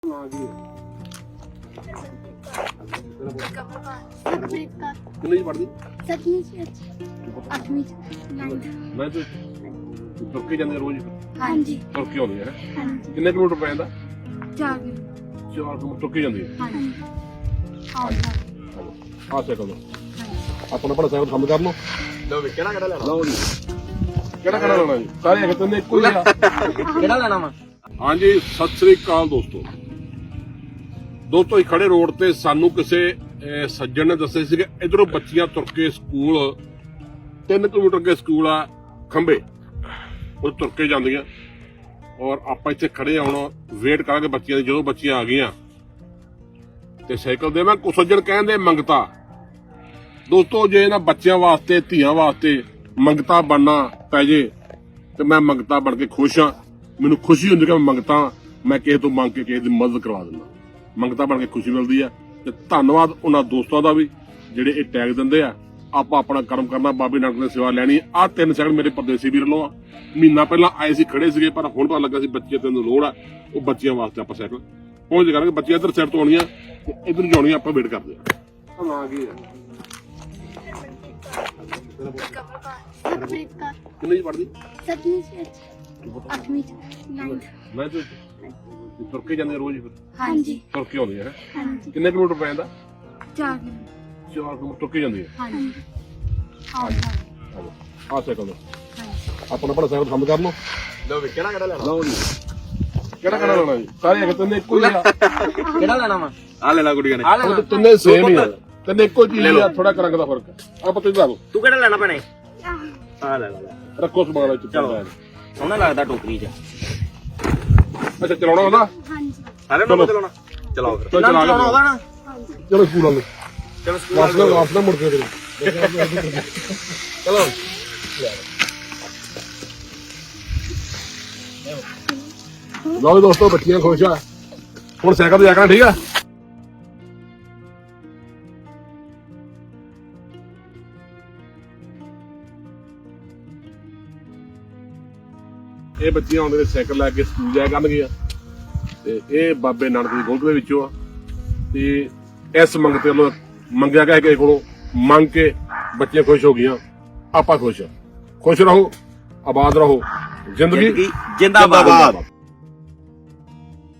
कितनी पढ़ती? 7वीं से 8वीं मैं तो तुर के जाते रोज हाँ जी तुर के आਉਂਦੀ ਹੈ हाँ जी ਕਿੰਨੇ ਕਿਲੋਮੀਟਰ ਪੈ ਜਾਂਦਾ 4 ਕਿਲੋਮੀਟਰ ਤੁਰ ਕੇ ਜਾਂਦੀ ਹੈ हाँ जी ਆ ਸਾਈਕਲ ਲਓ ਆਪਣਾ ਆਪਣਾ ਸਾਈਕਲ ਕੰਮ ਕਰ ਲਓ ਲਓ ਵੀ ਕਿਹੜਾ ਲੈਣਾ ਲਓ ਜੀ ਕਿਹੜਾ ਲੈਣਾ ਜੀ ਸਾਰੇ ਇੱਕ ਤਿੰਨੇ ਇੱਕੋ ਹੀ ਆ ਕਿਹੜਾ ਲੈਣਾ ਵਾ ਹਾਂਜੀ ਸਤਿ ਸ੍ਰੀ ਅਕਾਲ ਦੋਸਤੋ ਹੀ ਖੜੇ ਰੋਡ ਤੇ ਸਾਨੂੰ ਕਿਸੇ ਸੱਜਣ ਨੇ ਦੱਸਿਆ ਸੀ ਕਿ ਇਧਰੋਂ ਬੱਚੀਆਂ ਤੁਰ ਕੇ ਸਕੂਲ 3 ਕਿਲੋਮੀਟਰ ਅੱਗੇ ਸਕੂਲ ਆ ਖੰਬੇ ਉਹ ਤੁਰ ਕੇ ਜਾਂਦੀਆਂ ਔਰ ਆਪਾਂ ਇੱਥੇ ਖੜੇ ਆ ਹੁਣ ਵੇਟ ਕਰਾਂਗੇ ਬੱਚੀਆਂ ਦੀ ਜਦੋਂ ਬੱਚੀਆਂ ਆ ਗਈਆਂ ਤੇ ਸਾਈਕਲ ਦੇਵਾਂ ਕੋ ਸੱਜਣ ਕਹਿੰਦੇ ਮੰਗਤਾ ਦੋਸਤੋ ਜੇ ਇਹਨਾਂ ਬੱਚਿਆਂ ਵਾਸਤੇ ਧੀਆਂ ਵਾਸਤੇ ਮੰਗਤਾ ਬਣਨਾ ਪੈ ਜੇ ਤੇ ਮੈਂ ਮੰਗਤਾ ਬਣ ਕੇ ਖੁਸ਼ ਹਾਂ ਮੈਨੂੰ ਖੁਸ਼ੀ ਹੁੰਦੀ ਕਿ ਮੈਂ ਮੰਗਤਾ ਮੈਂ ਕਿਸੇ ਤੋਂ ਮੰਗ ਕੇ ਕਿਸੇ ਦੀ ਮਦਦ ਕਰਵਾ ਦਿੰਦਾ ਮੰਗਤਾ ਬਣ ਕੇ ਖੁਸ਼ੀ ਮਿਲਦੀ ਆ ਤੇ ਧੰਨਵਾਦ ਉਹਨਾਂ ਦੋਸਤਾਂ ਦਾ ਵੀ ਜਿਹੜੇ ਇਹ ਟੈਗ ਦਿੰਦੇ ਆ ਆਪਾਂ ਆਪਣਾ ਕਰਮ ਕਰਨਾ ਬਾਬੇ ਨਾਨਕ ਦੀ ਸੇਵਾ ਲੈਣੀ ਆ 3 ਸੈਕਿੰਡ ਮੇਰੇ ਪਰਦੇਸੀ ਵੀਰ ਲੋ ਆ ਮਹੀਨਾ ਪਹਿਲਾਂ ਆਏ ਸੀ ਖੜੇ ਸੀਗੇ ਪਰ ਹੁਣ ਪਤਾ ਲੱਗਾ ਸੀ ਬੱਚੇ ਤੈਨੂੰ ਲੋੜ ਆ ਉਹ ਬੱਚਿਆਂ ਵਾਸਤੇ ਆਪਾਂ ਸਾਈਕਲ ਪਹੁੰਚ ਕਰਾਂਗੇ ਬੱਚੇ ਇੱਧਰ ਸਾਈਡ ਤੋਂ ਆਉਣੀਆਂ ਤੇ ਇੱਧਰ ਜਾਣੀਆਂ ਆਪਾਂ ਵੇਟ ਕਰਦੇ ਆ ਆ ਗਈ ਕਿੰਨੀ ਪੜਦੀ 7वीं से 8वीं ਮੈਂ ਤਾਂ ਤੁਰ ਕੇ ਜਾਂਦੇ ਰੋਜ਼ हाँ जी ਤੁਰ ਕੇ ਆਉਂਦੀ ਹੈ हाँ जी ਕਿੰਨੇ ਕਿਲੋਮੀਟਰ ਪੈ ਜਾਂਦਾ 4 ਕਿਲੋਮੀਟਰ ਤੁਰ ਕੇ ਜਾਂਦੀ ਹੈ हाँ जी ਆ ਸਾਈਕਲ ਲਓ ਆਪਣਾ ਆਪਣਾ ਸਾਈਕਲ ਕੰਮ ਕਰ ਲਓ ਲਓ ਵੀ ਕਿਹੜਾ ਲੈਣਾ ਲਓ ਜੀ ਕਿਹੜਾ ਲੈਣਾ ਜੀ ਸਾਰੇ ਇੱਕ ਤਿੰਨੇ ਇੱਕੋ ਹੀ ਆ ਕਿਹੜਾ ਲੈਣਾ ਵਾ ਆ ਲੈ ਲੈ ਗੁੜੀਆਂ ਨੇ ਉਹ ਤਿੰਨੇ ਸੇਮ ਹੀ ਆ ਤਿੰਨੇ ਇੱਕੋ ਚੀਜ਼ ਆ ਥੋੜਾ ਰੰਗ ਦਾ ਫਰਕ ਆ ਆਪਾਂ ਤੁਸੀਂ ਦੱਸੋ ਤੂੰ ਕਿਹੜਾ ਲੈਣਾ ਭੈਣੇ ਆ ਲੈ ਲੈ ਰੱਖੋ ਸਮਾਨ ਵਿੱਚ ਚਲੋ ਸੋਹਣਾ ਲੱਗਦਾ ਟੋਕਰੀ 'ਚ ਅੱਛਾ ਚਲਾਉਣਾ ਹੁੰਦਾ हाँ जी ਸਾਰੇ ਨੂੰ ਚਲਾਉਣਾ ਚਲਾਓ ਫਿਰ ਚਲੋ ਚਲਾ ਚਲਾਉਣਾ ਉਹਦਾ ਨਾ ਚਲੋ ਸਕੂਲ ਵਾਲੇ ਚਲੋ ਵਾਪਸ ਨਾ ਮੁੜ ਕੇ ਚਲੋ ਲਓ ਜੀ ਦੋਸਤੋ ਬੱਚੀਆਂ ਖੁਸ਼ ਆ ਹੁਣ ਸਾਈਕਲ ਤੇ ਜਾ ਕੇ ਠੀਕ ਆ ਇਹ ਬੱਚੀਆਂ ਆਉਂਦੇ ਨੇ ਸਾਈਕਲ ਲੈ ਕੇ ਸਕੂਲ ਜਾਇਆ ਕਰਨਗੀਆਂ ਤੇ ਇਹ ਬਾਬੇ ਨਾਨਕ ਦੀ ਗੋਦ ਦੇ ਵਿੱਚੋਂ ਆ ਤੇ ਇਸ ਮੰਗਤੇ ਵੱਲੋਂ ਮੰਗਿਆ ਗਿਆ ਕਿਸੇ ਕੋਲੋਂ ਮੰਗ ਕੇ ਬੱਚੀਆਂ ਖੁਸ਼ ਹੋ ਗਈਆਂ ਆਪਾਂ ਖੁਸ਼ ਰਹੋ ਆਬਾਦ ਰਹੋ ਜ਼ਿੰਦਗੀ ਜਿੰਦਾਬਾਦ